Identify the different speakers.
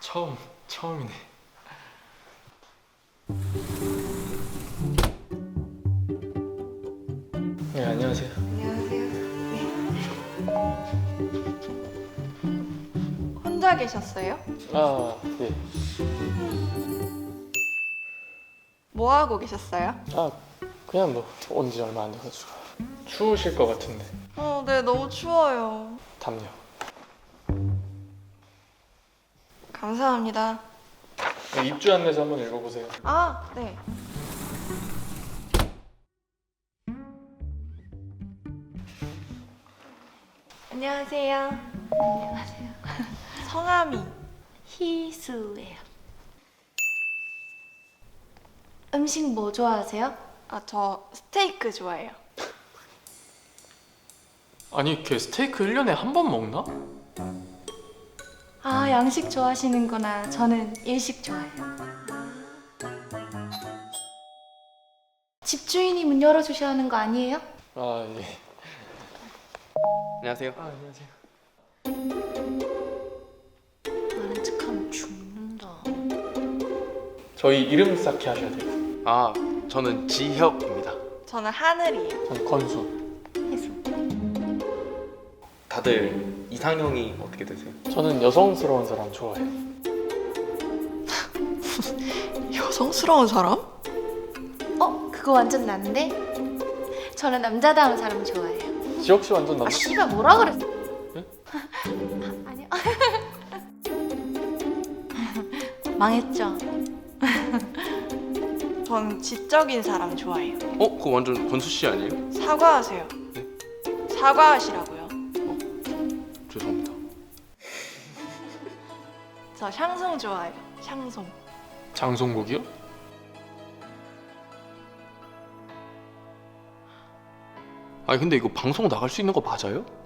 Speaker 1: 처음이네. 네, 안녕하세요.
Speaker 2: 안녕하세요. 네. 혼자 계셨어요?
Speaker 1: 아, 네.
Speaker 2: 뭐 하고 계셨어요?
Speaker 1: 아, 그냥 뭐 온 지 얼마 안 돼가지고. 추우실 것 같은데.
Speaker 2: 네, 너무 추워요.
Speaker 1: 담요.
Speaker 2: 감사합니다.
Speaker 1: 네, 입주 안내서 한번 읽어보세요.
Speaker 2: 아, 네. 안녕하세요.
Speaker 3: 안녕하세요.
Speaker 2: 성함이
Speaker 3: 희수예요. 음식 뭐 좋아하세요?
Speaker 2: 저 스테이크 좋아해요.
Speaker 1: 아니, 걔 스테이크 1년에 한 번 먹나?
Speaker 3: 아, 양식 좋아하시는구나. 저는 일식 좋아해요. 집주인이 문 열어주셔야 하는 거 아니에요?
Speaker 1: 아, 예.
Speaker 4: 안녕하세요.
Speaker 1: 아, 안녕하세요.
Speaker 3: 아는 척하면 죽는다.
Speaker 1: 저희 이름 쌓기 하셔야 돼요.
Speaker 4: 아, 저는 지혁입니다.
Speaker 2: 저는 하늘이에요.
Speaker 1: 전 건수.
Speaker 3: 해수.
Speaker 4: 다들 이상형이 어떻게 되세요?
Speaker 1: 저는 여성스러운 사람 좋아해요.
Speaker 2: 여성스러운 사람?
Speaker 3: 그거 완전 난데? 저는 남자다운 사람 좋아해요.
Speaker 1: 지혁 씨 완전
Speaker 3: 아,
Speaker 1: 남자.
Speaker 3: 씨발 뭐라 그랬어?
Speaker 1: 네?
Speaker 3: 아니요. 망했죠.
Speaker 2: 저는 지적인 사람 좋아해요.
Speaker 4: 그거 완전 건수 씨 아니에요?
Speaker 2: 사과하세요.
Speaker 4: 네?
Speaker 2: 사과하시라고요.
Speaker 4: 죄송합니다.
Speaker 2: 저 샹송 좋아해요. 샹송.
Speaker 1: 장송국이요?
Speaker 4: 아니 근데 이거 방송 나갈 수 있는 거 맞아요?